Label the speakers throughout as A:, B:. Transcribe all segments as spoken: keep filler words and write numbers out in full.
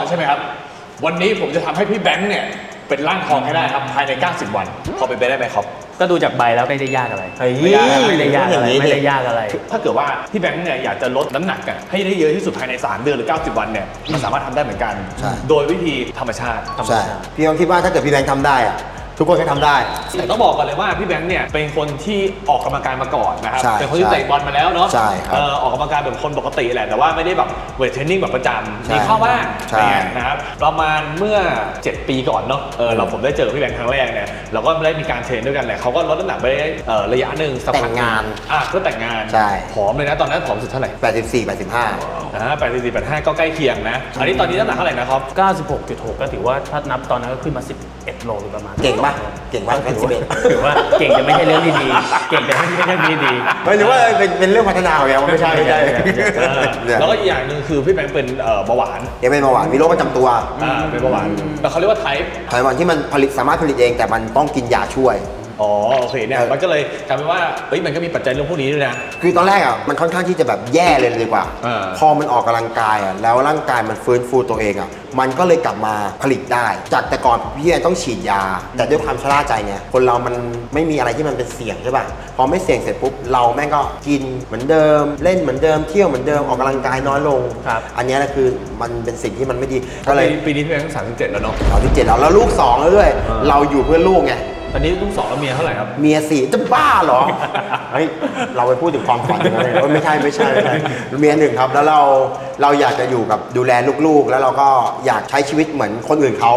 A: ใช่ไหมครับวันนี้ผมจะทำให้พี่แบงค์เนี่ยเป็นร่างทองให้ได้ครับภายในเก้าสิบวันพอเป็นไปได้ไหมครับ
B: ก็ดูจากใบแล้วไม่ได้ยากอะไรไม่ได้ยากอะไรไม่ได้ยากอะไร
A: ถ้าเกิดว่าพี่แบงค์เนี่ยอยากจะลดน้ำหนักกันให้ได้เยอะที่สุดภายในสามเดือนหรือเก้าสิบวันเนี่ยมันสามารถทำได้เหมือนกันโดยวิธีธรรมชาติ
C: ใช่พี่ต้องคิดว่าถ้าเกิดพี่แบงค์ทำได้อะทุกคนก็ทำได้
A: แต่ต้องบอกก่อนเลยว่าพี่แบงค์เนี่ยเป็นคนที่ออกกำลังกายมาก่อนนะครับเป็นคนที่เตะบอลมาแล้วเนาะ
C: ใช่ครับ
A: ออกกำลังกายแบบคนปกติแหละแต่ว่าไม่ได้แบบเวทเทรนนิ่งแบบประจำมีเข้าบ้างนะครับประมาณเมื่อเจ็ดปีก่อนเนาะเออเราผมได้เจอพี่แบงค์ครั้งแรกเนี่ยเราก็ได้มีการเทรนด้วยกันแหละเขาก็ลดน้ำหนักไปได้ระยะหนึ่ง
C: แต่งงาน
A: อ่ะก็แต่งงาน
C: ใช่
A: ผอมเลยนะตอนนั้นผอมสุดเท่าไหร่
C: แปดสิบสี่ แปดสิบห้า
A: อ่าแปดสิบสี่ แปดสิบห้าก็ใกล้เคียงนะอันนี้ตอนนี้น้ำหนักเท่าไหร่นะครับ
B: เก้าสิบหกจุดหก ก็ถือว่าถ้านับตอนนั้นก็ขึ้นมาสิบเอ็ดโลหรือประมาณ
C: เก่งป่ะเก่งป่ะ
B: ถือว่าเก่งจะไม่ใช่เรื่องที่ดีเก่งจะไม่ใช่เรื่องที่ดี
C: ไม่หรือว่าเป็นเป็นเรื่องพัฒนาของเราไม่ใช่ไม่ใช่
A: แล้วก็อีกอย่างหนึ่งคือพี่แบงค์เป็นเบาหวาน
C: ยังเป็นเบาหวานมีโรคประจำตัว
A: อ่าเป็นเบาหวานแต่เขาเรียกว่าไทป์
C: ไทป์วันที่มันผลิตสามารถผลิตเองแต่มันต้องกินยาช่วย
A: อ๋อโอเคเนี่ยมันก็เลยกลายเป็นว่าเฮ้ยมันก็มีปัจจัยเรื่องพวกนี้ด้วยนะ
C: คือตอนแรกอ่ะมันค่อนข้างที่จะแบบแย่เลยดีกว่าพอมันออกกำลังกายอ่ะแล้วร่างกายมันฟื้นฟูตัวเองอ่ะมันก็เลยกลับมาผลิตได้จากแต่ก่อนพี่ต้องฉีดยาแต่ด้วยความชราใจเนี่ยคนเรามันไม่มีอะไรที่มันเป็นเสี่ยงใช่ป่ะพอไม่เสี่ยงเสร็จปุ๊บเราแม่งก็กินเหมือนเดิมเล่นเหมือนเดิมเที่ยวเหมือนเดิมออกกำลังกายน้อยลงอันนี้แหละคือมันเป็นสิ่งที่มันไม่ดี
A: ก็เลยปีนี้พี่แบงค์สามสิบเจ็ดแล้วเนาะ
C: สามสิบเจ็ดแล้วแล้วลูกสองแล้วด้วยเราอยู่เพื่อลูกไง
A: ตอนนี้ลูกสองแล้วเมียเท่าไหร่ครับ
C: เมียสี่จะบ้าเหรอเฮ้ยเราไปพูดถึงความฝันกันเลยไม่ใช่ไม่ใช่เมียหนึ่งครับแล้วเราเราอยากจะอยู่กับดูแลลูกๆแล้วเราก็อยากใช้ชีวิตเหมือนคนอื่นเขา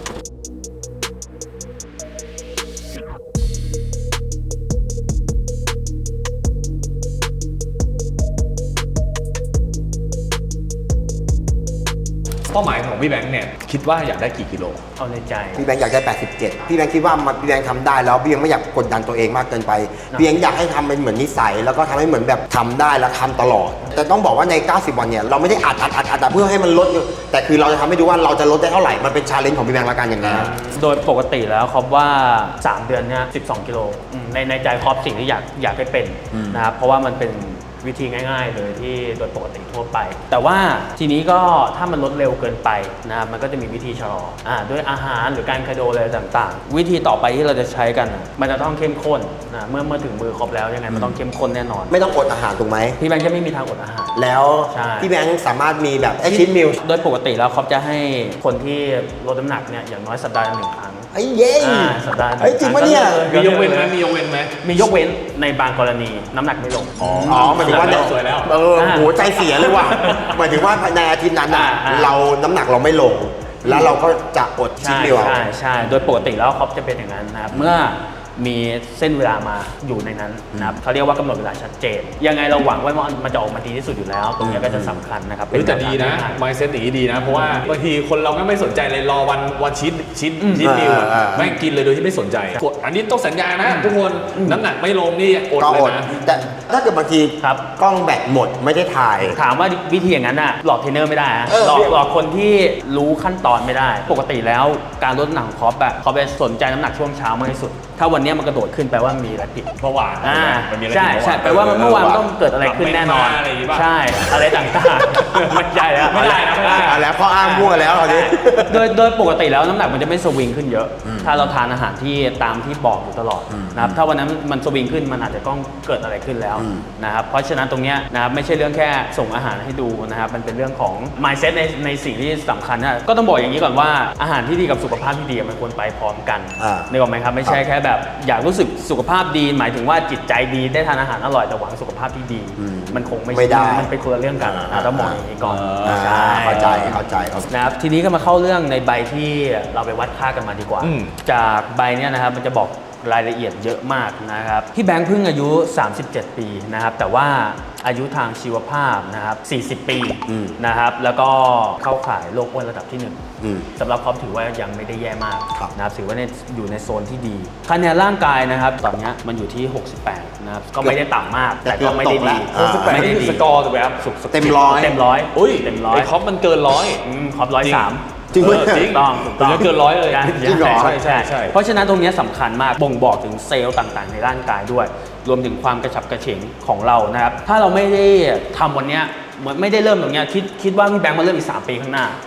A: เป้าหมายของพี่แบงค์เนี่ยคิดว่าอยากได้กี่กิโล
B: เอาในใจ
C: พี่แบงค์อยากได้แปดสิบเจ็ดพี่แบงค์คิดว่ามันพี่แบงค์ทำได้แล้วพี่แบงค์ไม่อยากกดดันตัวเองมากเกินไปพี่แบงค์อยากให้ทำเป็นเหมือนนิสัยแล้วก็ทำให้เหมือนแบบทำได้แล้วทำตลอดแต่ต้องบอกว่าในเก้าสิบวันเนี่ยเราไม่ได้อัดอัดอัดอัดเพื่อให้มันลดแต่คือเราจะทำให้ดูว่าเราจะลดได้เท่าไหร่มันเป็นชาเลนจ์ของพี่แบงค์ละกันอย่างนี้
B: โดยปกติแล้วครับว่าสามเดือนเนี่ยสิบสองกิโลในในใจครอบสิ่งที่อยากอยากให้เป็นนะครับเพราะว่ามันเป็นวิธีง่ายๆเลยที่โดยปกติทั่วไปแต่ว่าทีนี้ก็ถ้ามันลดเร็วเกินไปนะครับมันก็จะมีวิธีชะลออ่าด้วยอาหารหรือการคาร์โดอะไรต่างๆวิธีต่อไปที่เราจะใช้กันมันจะต้องเข้มข้นนะเมื่อเมื่อถึงมือครบแล้วยังไงมันต้องเข้มข้นแน่นอน
C: ไม่ต้องอดอาหารถูกไหม
B: พี่แบงค์จะไม่มีทางอดอาหาร
C: แล้วพี่แบงค์สามารถมีแบบชิ้นมิล
B: โดยปกติแล้วเขาจะให้คนที่ลดน้ำหนักเนี่ยอย่างน้อยสัปดาห์ละหนึ่งครั้ง
C: ไอ้เย้
B: สัปดาห์
C: ไอ้จริงปะเนี่ย
A: มียกเว้นไหมมียกเว้นไหม
B: มียกเว้นในบางกรณีน้ำหนักไม่ลง
C: อ๋อหมายถึงว่า
A: สวยแล้ว
C: เออโหใจเสียเลยว่ะหมายถึงว่าในอาทิตย์นั้นอ่ะเราน้ำหนักเราไม่ลงแล้วเราก็จะอดชิ้นเดียว
B: ใช่ใช่โดยปกติแล้วเขาจะเป็นอย่างนั้นนะครับเมื่อมีเส้นเวลามาอยู่ในนั้นนะครับเขาเรียกว่ากำหนดเวลาชัดเจนยังไงเราหวังว่ามันจะออกมาดีที่สุดอยู่แล้วตรงนี้ก็จะสำคัญนะครับ
A: เป็นแต่ดีนะ mindset อย่างนี้ดีนะเพราะว่าบางทีคนเราไม่สนใจเลยรอวันวันชีทชีทชีทมิลไม่กินเลยโดยที่ไม่สนใจกดอันนี้ต้องสัญญานะทุกคนน้ำหนักไม่ลงนี่อดเลยนะ
C: แต่ถ้าเกิดบางทีกล้องแบตหมดไม่ได้ถ่าย
B: ถามว่าวิธีอย่างนั้นอ่ะหลอกเทรนเนอร์ไม่ได้หลอกหลอกคนที่รู้ขั้นตอนไม่ได้ปกติแล้วการลดน้ำหนักคอปแบบเขาไปสนใจน้ำหนักช่วงเช้ามากที่สุดถ้าวันนี้มันกระโดดขึ้นแปลว่ามีอะไรผิด
A: เมื่อวาน
B: ใช่ใช่แปลว่าเมื่อวานต้องเกิดอะไรขึ้นแน่นอนใช่อะไรต่างๆไม่ใช่แล้ว
A: ไม่ได้นะ
C: แล้วข้ออ้างมั่วแล้วตอนนี้
B: โดยโดยปกติแล้วน้ำหนักมันจะไม่สวิงขึ้นเยอะถ้าเราทานอาหารที่ตามที่บอกอยู่ตลอดนะครับถ้าวันนั้นมันสวิงขึ้นมันอาจจะต้องเกิดอะไรขึ้นแล้วนะครับเพราะฉะนั้นตรงนี้นะครับไม่ใช่เรื่องแค่ส่งอาหารให้ดูนะครับมันเป็นเรื่องของ mindset ในในสิ่งที่สำคัญนะก็ต้องบอกอย่างนี้ก่อนว่าอาหารที่ดีกับสุขภาพที่ดีมันควรไปพร้อมกันนึกออกไหมครับไม่ใช่แค่แบบอยากรู้สึกสุขภาพดีหมายถึงว่าจิตใจดีได้ทานอาหารอร่อยแต่หวังสุขภาพที่ดีมันคงไม่
C: ได้
B: มันเป็นคนละเรื่องกันต้องมองอย่างนี้ก่อน
C: เข้าใจเข้าใจ
B: นะครับทีนี้ก็มาเข้าเรื่องในใบที่เราไปวัดค่ากันมาดีกว่าจากใบเนี้ยนะครับมันจะบอกรายละเอียดเยอะมากนะครับพี่แบงค์เพิ่งอายุสามสิบเจ็ดปีนะครับแต่ว่าอายุทางชีวภาพนะครับสี่สิบปีนะครับแล้วก็เข้าข่ายโรคอ้วนระดับที่หนึ่งสำหรับเขาถือว่ายังไม่ได้แย่มากนะครับถือว่าอยู่ในโซนที่ดีคะแนนร่างกายนะครับตอนนี้มันอยู่ที่หกสิบแปดนะครับก็ไม่ได้ต่ำมากแต่ก็ไม่ได้ดี
A: ไม่ได้ดีสกอร์ถูกไหมครับ
C: เต็มร้อย
B: เต็มร้อย
A: อุ้ยเต็มร้อยคอปมันเกินร้อย
B: คอปร้อยสาม
C: จริง
B: จริงต้อง
A: ต้องเกินร้อยเลย
C: จริงเหรอ
A: ใช่ใช่ใช่
B: เพราะฉะนั้นตรงนี้สำคัญมากบ่งบอกถึงเซลล์ต่างๆในร่างกายด้วยรวมถึงความกระฉับกระเฉงของเรานะครับถ้าเราไม่ได้ทำวันนี้ไม่ได้เริ่มตรงนี้คิดคิดว่าพี่แบงค์มาเริ่มอีกสามปีข้างหน้า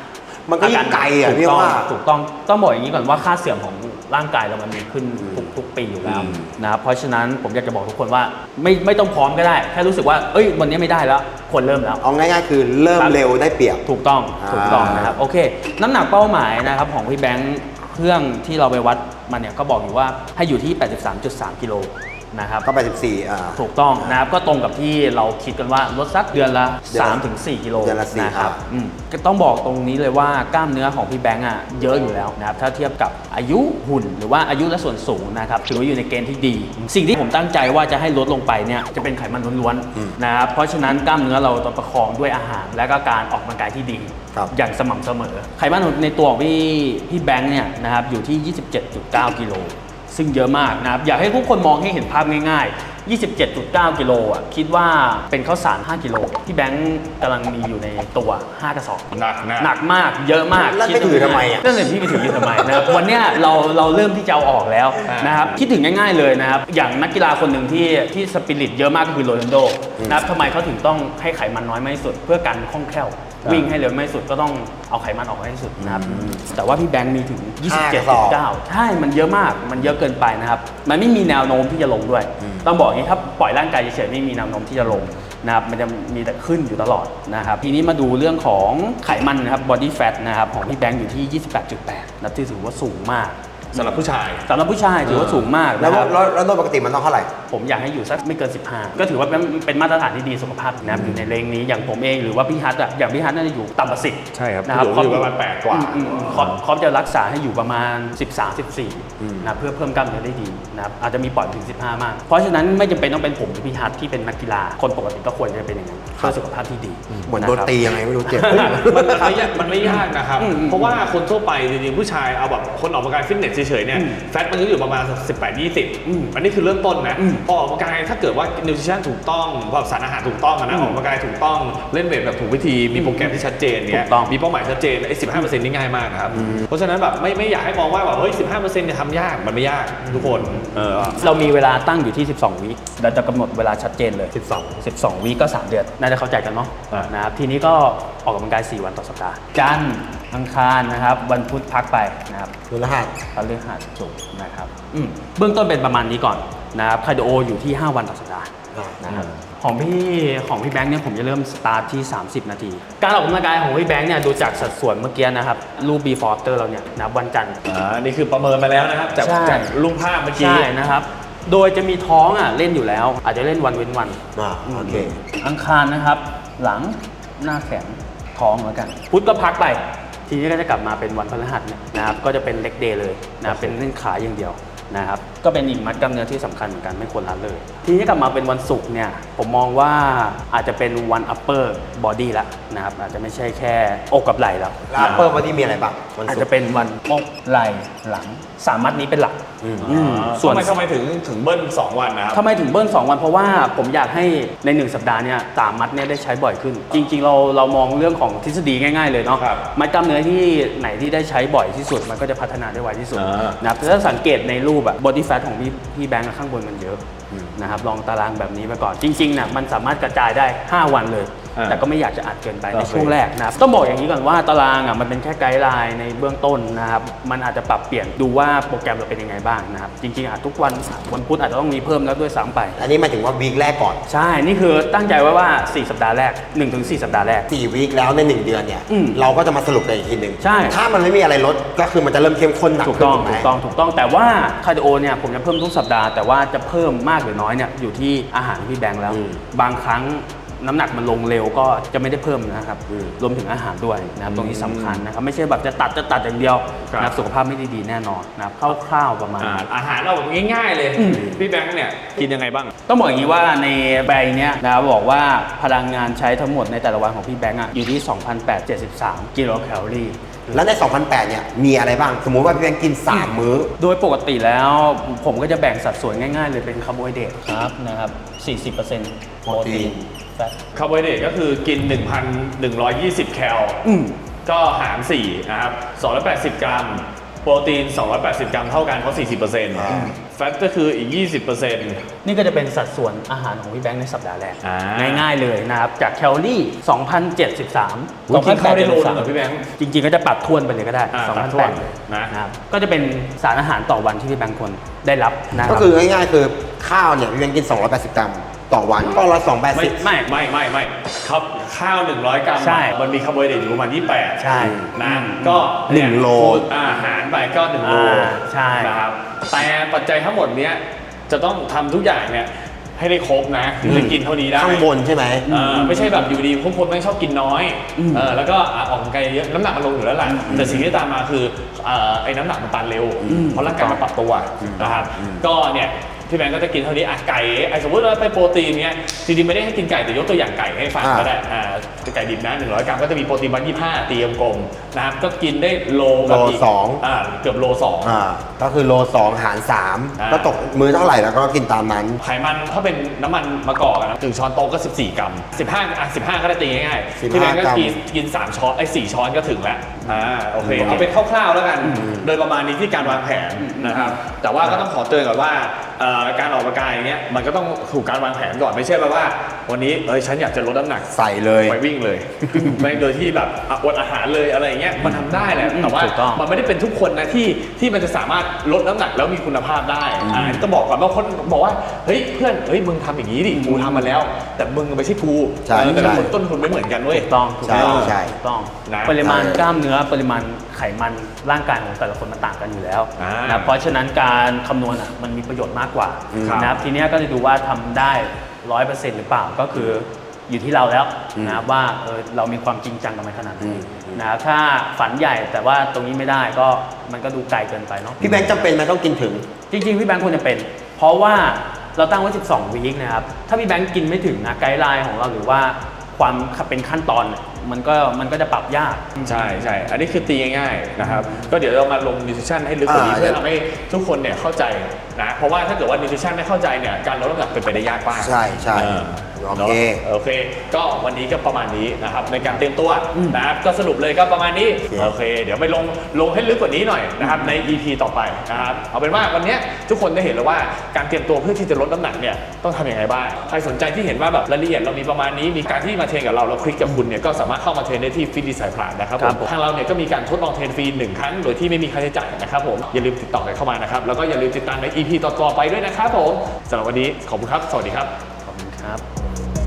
C: มันก็ยิ่งไกลอ่ะ
B: ถูก
C: พี่
B: ต้อง
C: ว่า
B: ถูกต้องต้องบอกอย่างนี้ก่อนว่าค่าเสื่อมของร่างกายเรามันมีขึ้นทุกทุกปีอยู่แล้ว
C: อืม
B: นะครับเพราะฉะนั้นผมอยากจะบอกทุกคนว่าไม่ไม่ต้องพร้อมก็ได้แค่รู้สึกว่าเอ้ยวันนี้ไม่ได้แล้วควรเริ่มแล้ว
C: เอาง่ายๆคือเริ่มเร็วได้เปรียบ
B: ถูกต้อง
C: อ่า
B: ถูกต้องนะครับโอเค น้ำหนักเป้าหมายนะครับของพี่แบงค์เครื่องที่เราไปวัดมันเนี่ยก็บอกอยู่ว่าให้อยู่ที่ แปดสิบสามจุดสาม กิโลนะครับ
C: ก็แปดสิบสี่อ่า
B: ถูกต้องนะครับก็ตรงกับที่เราคิดกันว่าลดสักเดือนละ
C: เดือนละ
B: สามถึงสี่ กิโล
C: เดือนละสี่
B: นะครับ
C: อ่า
B: อืมก็ต้องบอกตรงนี้เลยว่ากล้ามเนื้อของพี่แบงค์อ่ะเยอะอยู่แล้วนะครับถ้าเทียบกับอายุหุ่นหรือว่าอายุและส่วนสูงนะครับถือว่าอยู่ในเกณฑ์ที่ดี สิ่งที่ผมตั้งใจว่าจะให้ลดลงไปเนี่ยจะเป็นไขมันล้วนๆนะครับเพราะฉะนั้นกล้ามเนื้อเราต้องประคองด้วยอาหาร และก็การออกกำลังกายที่ดี
C: ครับ
B: อย่างสม่ำเสมอไขมันในตัวของพี่พี่แบงค์เนี่ยนะครับอยู่ที่ ยี่สิบเจ็ดจุดเก้า กิโลซึ่งเยอะมากนะครับอยากให้ทุกคนมองให้เห็นภาพง่ายๆ ยี่สิบเจ็ดจุดเก้า กิโลอ่ะคิดว่าเป็นข้าวสารห้า กิโลที่แบงค์กำลังมีอยู่ในตัวห้ากระสอบ
A: หนักนะ
B: หนักมากเยอะมาก
C: แล้ว
B: คิด
C: ไปถือทำไมอ่ะ
B: นั่นเลยพี่ไปถืออยู่ทำไมนะครับ วันเนี้ยเราเราเริ่มที่จะเอาออกแล้วนะครับคิดถึงง่ายๆเลยนะครับอย่างนักกีฬาคนหนึ่งที่ที่สปิริตเยอะมากก็คือโรนัลโดนะครับทำไมเขาถึงต้องให้ไขมันน้อยมากที่สุด เพื่อการคล่องแคล่ววิ่งให้เร็วมากที่สุดก็ต้องเอาไขมันออกให้ที่สุดนะครับแต่ว่าพี่แบงค์มีถึง ยี่สิบเจ็ดจุดเก้า ใช่มันเยอะมากมันเยอะเกินไปนะครับมันไม่มีแนวโน้มที่จะลงด้วยต้องบอกอย่างนี้ครับปล่อยร่างกายเฉยๆไม่มีแนวโน้มที่จะลงนะครับมันจะมีแต่ขึ้นอยู่ตลอดนะครับทีนี้มาดูเรื่องของไขมันนะครับ body fat นะครับของพี่แบงค์อยู่ที่ ยี่สิบแปดจุดแปด นะที่ถือว่าสูงมาก
A: สำหรับผู้ชาย
B: สำหรับผู้ชายถือว่าสูงมาก
C: แล้ว
B: นะครับ
C: แล้วแล้วโดยปกติมันต้องเท่าไหร่
B: ผมอยากให้อยู่สักไม่เกิน สิบห้า ก็ถือว่าเป็นเป็นมาตรฐานที่ดีสุขภาพนะครับอยู่ในเลงนี้อย่างผมเองหรือว่าพี่ฮัทอะอย่างพี่ฮัทน่าจะอยู่ต่ำกว่าสิบ
A: ใช่ครับ
B: นะครับ
A: อยู่อยู่ประมาณแปดกว่า
B: อืมอืมอืมคอปคอปจะรักษาให้อยู่ประมาณ สิบสาม สิบสี่นะเพื่อเพิ่มกล้ามเนื้อได้ดีนะครับอาจจะมีปล่อยถึง สิบห้า มาก เพราะฉะนั้นไม่จำเป็นต้องเป็นผมหรือพี่ฮัทที่เป็นนักกีฬาคนปกติก็ควรจะเป็นอย่างนั้นเพื่อสุขภาพที่ดี
C: เหมือนโดนตียังไงไม่รู้เจ็บ
A: มันไม่ยากมันไม่ยากนะครับ
B: อืมอืม
A: เพราะว่าคนทั่วไปจริงๆผู้ชายเอาแบบคนออกกำลังกายฟิตเนสเฉยๆเนี่ย
B: อืม
A: แฟตมันก็อยู่ประมาณสิบแปด ยี่สิบ
B: อืม
A: อันนี้คือเริ่มต้นนะ
B: อืม
A: พอออกกำลังกายถ้าเกิดว่านิวทริชั่นถูกต้องแบบสารอาหารถูกต้องอะนะ
B: อืม
A: ออกกำลังกายถูกต้องเล่นเวทแบบถูกวิธีมีโปรแกรมที่ชัดเจนเนี่ย
B: ถูกต้อง
A: มีเป้าหมายชัดเจนไอ้สิบห้าเปอร์เซ็นต์นี่ง่ายมากนะครับเพราะฉะนั้นแบบไม่ไม่อยากให้มองว่าแบบเฮ้ยสิบห้าเปอร์เซ็นต์เนี่ยทำยากมันไม่ยากทุกคนเออ
B: เรามีเวลาตั้งอยู่ที่ สิบสอง วิเราจะกำหนดเวลาชัดเจนเลย
A: สิบสอง
B: สิบสอง วิก็ สาม เดือน น่าจะเข้าใจกันเนาะ
A: อ่าน
B: นะครับ ทีนี้ก็ออกกำลังกาย สี่ วันต่อสัปดาห์ จันทร์อังคารนะครับ วันพุธพักไปนะครับ
C: ดูรหัส
B: พฤหัสศุกร์นะครับอืมเบื้องต้นเป็นประมาณนี้ก่อนนะครับคาร์ดิโออยู่ที่ ห้า วันต่อสัปดาห์นะครับของพี่ของพี่แบงค์เนี่ยผมจะเริ่มสตาร์ทที่ สามสิบ นาที การออกกำลังกายของพี่แบงค์เนี่ยดูจากสัดส่วนเมื่อกี้นะครับรูป before after เราเนี่ยนะครับวันจันทร์
A: อ่านี่คือประเมินมาแล้วนะครับจาก
B: ใช่
A: จากรูปภาพเมื่อกี้
B: ใช่นะครับ โดยจะมีท้องอ่ะเล่นอยู่แล้ว อาจจะเล่นวันเว้นวัน
C: อ่าโอเค
B: อังคารนะครับ หลังหน้าแขนท้องแล้วกัน พุธก็พักไป ทีนี้ก็จะกลับมาเป็นวันพฤหัสเนี่ยนะครับ ก็จะเป็นเล็กเดย์เลยนะครับเป็นเล่นขาอย่างเดียวนะครับ ก็เป็นอีกมัดกล้ามเนื้อที่สำคัญเหมือนกันไม่ควรละเลย ทีนี้กลับมาเป็นวันศุกร์เนี่ย ผมมองว่าอาจจะเป็นวัน upper body ละนะครับ อาจจะไม่ใช่แค่อกกับไหล่แล้ว
C: แล้วอัปเปอร์วันที่มีอะไรบ้างวัน
B: อาจ
C: ศุ
B: จะ
C: กร์
B: เป็นวันอกไหล่หลังสามมัดนี้เป็นหลัก
C: อืม
B: อืม
A: ส่
B: ส่
A: ว
B: วน น
A: ทำไมทำไมถึงถึงเบิ้ลสองวันนะครับ
B: ทำไมถึงเบิ้ลสองวัน เพราะว่าผมอยากให้ในหนึ่งสัปดาห์เนี่ยสามมัดเนี่ยได้ใช้บ่อยขึ้น จริง ๆ เราเรามองเรื่องของทฤษฎีง่ายๆเลยเนาะ
A: ครับ
B: มัดกล้ามเนื้อที่ไหนที่ได้ใช้บ่อยที่สุด มันก็จะพัฒนาได้ไวที่สุด
A: อ่า
B: นะครับถ้าสังเกตในรูปอะ body fat ของพี่พี่แบงค์ข้างบนมันเยอะนะครับลองตารางแบบนี้ไปก่อน จริงๆเนี่ยมันสามารถกระจายได้ห้าวันเลย
A: อ่า
B: แต่ก็ไม่อยากจะอัดเกินไปใน
A: โอเค
B: ช่วงแรกนะครับต้องบอกอย่างนี้ก่อนว่าตารางอ่ะมันเป็นแค่ไกด์ไลน์ในเบื้องต้นนะครับมันอาจจะปรับเปลี่ยนดูว่าโปรแกรมเราเป็นยังไงบ้างนะครับจริงๆอาจทุกวันวันพุธอาจจะต้องมีเพิ่มแล้วด้วยซ้ำไป
C: อันนี้หมายถึงว่าวีคแรกก่อน
B: ใช่ นี่คือตั้งใจไว้ว่า สี่ สัปดาห์แรก หนึ่งถึงสี่ สัปดาห์แรก
C: สี่วีคแล้วในหนึ่งเดือนเนี่ย
B: อืม
C: เราก็จะมาสรุปกันอีกทีหนึ่ง
B: ใช่
C: ถ้ามันไม่มีอะไรลดก็คือมันจะเริ่มเข้มข้นหนัก
B: ถูก
C: ขึ้น
B: ต้อง
C: ถูกไหม
B: ถูกต้องถูกต้องแต่ว่าคาร์ดิโอเนี่ยผมจะเพิ่มทุกสัปดาห์แต่ว่าจะเพิ่มมากหรือน้อยเนี่ยอยู่ที่อาหารที่พี่แบงค์แล้ว
C: อืม
B: บางครั้งน้ำหนักมันลงเร็วก็จะไม่ได้เพิ่มนะครับ
C: อืม
B: รวมถึงอาหารด้วยนะครับตรงนี้สำคัญนะครับไม่ใช่แบบจะตัดจะตัดอย่างเดียว
A: ครับ
B: นะครับสุขภาพไม่ได้ดีแน่นอนนะครับคร่าวๆประมาณ
A: อ่า
B: นั้น
A: อาหารเราแบบง่ายๆเลย
B: อืม
A: พี่แบงค์เนี่ยกินยังไงบ้าง
B: ต้องบอกอย่างนี้ว่าในใบเนี้ยนะครับบอกว่าพลังงานใช้ทั้งหมดในแต่ละวันของพี่แบงค์อะอยู่ที่ สองพันแปดร้อยเจ็ดสิบสาม กิโลแคลอรี่
C: แล้วใน สองพันแปดเนี่ยมีอะไรบ้าง สมมุติว่าพี่แบงค์กิน สาม มื้อ
B: โดยปกติแล้วผมก็จะแบ่งสัดส่วนง่ายๆเลยเป็นคาร์โบไฮเดรตครับนะครับ สี่สิบเปอร์เซ็นต์ โปรตีนแฟต
A: คาร์โบไฮเดรตก็คือกิน หนึ่งพันหนึ่งร้อยยี่สิบ แคล
B: อืม
A: ก็หารสี่นะครับสองร้อยแปดสิบ กรัมโปรตีน สองร้อยแปดสิบ กรัมเท่ากันเพราะ สี่สิบเปอร์เซ็นต์
C: อ่า
A: แฟตก็คืออีก ยี่สิบเปอร์เซ็นต์
B: นี่ก็จะเป็นสัดส่วนอาหารของพี่แบงค์ในสัปดาห์แรก
A: อ่า
B: ง่ายๆเลยนะครับ จากแคลอรี่ สองพันเจ็ดสิบสาม
A: อุ๊ยกินข้าวได้โลนึงเหรอพี่แบงค์
B: จริงๆ ก็จะปรับทวนไปเลยก็ได้
A: อ่า
B: สอง
A: ปรั
B: พั
A: บ
B: น
A: ท
B: แป
A: วน
B: ด
A: นะ
B: นะครับก็จะเป็นสารอาหารต่อวันที่พี่แบงค์ควรได้รับนะค
C: ก็
B: รับ
C: คือง่ายๆคือข้าวเนี่ยพี่แบงค์กิน สองร้อยแปดสิบ กรัมต่อวันก็ร้อยสองแปด
A: ไม่
C: สิบ
A: ไม่ไม่ไม่ไม่ครับข้าว หนึ่งร้อย กรัม
B: ใช่
A: มันมีคาร์โบไฮเดรตอยู่ประมาณยี่สิบแปด
B: ใช่
A: นะก็
C: หนึ่งโล
A: อาหารไปก็หนึ่งโล
B: อ่าใช่
A: นะครับแต่ปัจจัยทั้งหมดเนี้ยจะต้องทำทุกอย่างเนี่ยให้ได้ครบนะถึงจะกินเท่านี้ได้
C: ข้างบนใช่ไหม
A: เออไม่ใช่แบบอยู่ดีพวกคนไม่ชอบกินน้อยเออแล้วก็อ่ะออกกำลังกายเยอะน้ำหนักมันลงอยู่แล้วแหละแต่สิ่งที่ตามมาคือเอ่อไอ้น้ำหนักมันตันเร็ว เพราะร่างกายมันปรับตัวนะครับก็เนี่ยพี่แบงก์ก็จะกินเท่านี้อ่ะไก่ไอ้สมมติว่าไปโปรตีนเนี้ยจริงๆไม่ได้ให้กินไก่แต่ยกตัวอย่างไก่ให้ฟัง
C: อ่า
A: ก็ได้อ่าไก่ดิบนะหนึ่งร้อยกรัมก็จะมีโปรตีนวันยี่สิบห้าตีกลมๆนะครับก็กินได้โลกับอีก
C: โลสอง
A: อ่าเกือบโลสอง
C: อ่าก็คือโลสองหารสาม
A: อ่า
C: ก็ตกมือเท่าไหร่แล้วก็กินตามนั้น
A: ไขมันถ้าเป็นน้ำมันมะกอกอะนะถึงช้อนโต๊ะก็ สิบสี่ กรัม สิบห้าอ่ะสิบห้าก็ได้ตีง่ายๆ
C: สิบห้า
A: พี่แบงก์ก็
C: กรัม
A: กินกินสามช้อนไอ้สี่ช้อนก็ถึงแล้วอ่าโอเคเอาเป็นคร่าวๆแล้วกัน โดยประมาณนี้ที่การวางแผนนะครับแต่ว่าก็ต้องขอเตือนก่อนว่าเอ่อการออกกำลังกายอย่างเงี้ยมันก็ต้องถูกการวางแผนก่อนไม่ใช่แบบว่า วันนี้เอ้ยฉันอยากจะลดน้ำหนัก
C: ใส่เลย
A: ไปวิ่งเลย ไม่โดยที่แบบอ่ะอดอาหารเลยอะไรอย่างเงี้ยมันทำได้แหละแต่ว่า
B: ถูกต้อง
A: มันไม่ได้เป็นทุกคนนะที่ที่มันจะสามารถลดน้ำหนักแล้วมีคุณภาพได้อ่าต้องบอกก่อนบางคนบอกว่าเฮ้ยเพื่อนเฮ้ยมึงทำอย่างนี้ดิกูทำมาแล้ว แต่มึงไม่ใช่กู
C: ใช่
A: เออแต่ละ
C: ใช่
A: คนต้นทุนไม่เหมือนกันเว้ย
B: ถูกต้องถูก
C: ใช่
B: ต้อง
C: ใช่
B: ถูกต้อง
A: นะ
B: ปริมาณ
C: ใช่
B: กล้ามเนื้อปริมาณไขมันร่างกายของแต่ละคนมันต่างกันอยู่แล้ว
A: อ่าน
B: นะเพราะฉะนั้นการคำนวณอ่ะมันมีประโยชน์มากกว่า
A: ครับ
B: นะครับทีเนี้ยก็จะดูว่าทำได้ร้อยเปอร์เซ็นต์หรือเปล่าก็คืออยู่ที่เราแล้วนะครับว่าเออเรามีความจริงจังกับมันขนาดไหนนะครับถ้าฝันใหญ่แต่ว่าตรงนี้ไม่ได้ก็มันก็ดูไกลเกินไปเนาะ
C: พี่แบงค์จำเป็นไหมต้องกินถึง
B: จริงๆ พี่แบงค์ควรจะเป็น เพราะว่าเราตั้งไว้สิบสองวีคนะครับ ถ้าพี่แบงค์กินไม่ถึงนะไกด์ไลน์ของเราหรือว่าความเป็นขั้นตอนเนี่ยมันก็มันก็จะปรับยาก
A: ใช่ใช่ อันนี้คือตีง่ายๆนะครับ ก็เดี๋ยวเรามาลงนิวทริชั่นให้ลึกกว่านี้
C: อ่า
A: เพื่อทำให้ทุกคนเนี่ยเข้าใจนะ เพราะว่าถ้าเกิดว่านิวทริชั่นไม่เข้าใจเนี่ย การลดน้ำหนักเป็นไปได้ยากมาก
C: ใช่ใช่
A: เออ
C: โอเค
A: นอะโอเค ก็วันนี้ก็ประมาณนี้นะครับในการเตรียมตัวนะครับ ก็สรุปเลยก็ประมาณนี้ โอเค เดี๋ยวไปลงลงให้ลึกกว่านี้หน่อยนะครับใน อี พี ต่อไปนะครับ เอาเป็นว่าวันเนี้ยทุกคนได้เห็นแล้วว่าการเตรียมตัวเพื่อที่จะลดน้ำหนักเนี่ยต้องทำยังไงบ้าง ใครสนใจที่เห็นว่าแบบรายละเอียดเรามีประมาณนี้ มีการที่มาเทรนกับเราเราคลิกกับคุณเนี่ยก็สามารถเข้ามาเทรนได้ที่ฟิตดีไซน์พลาสนะครับ
B: ครับ
A: ผม ทางเราเนี่ยก็มีการทดลองเทรนฟรีหนึ่งครั้งโดยที่ไม่มีค่าใช้จ่ายนะครับผมอย่าลืมติดต่อกันเข้ามานะครับแล้วก็อย่าลืมติดตามใน อี พี ต่อๆไปด้วยนะครับผมสำหรับวันนี้ขอบคุณครับสวัสดีครับ
B: ขอบคุณครับ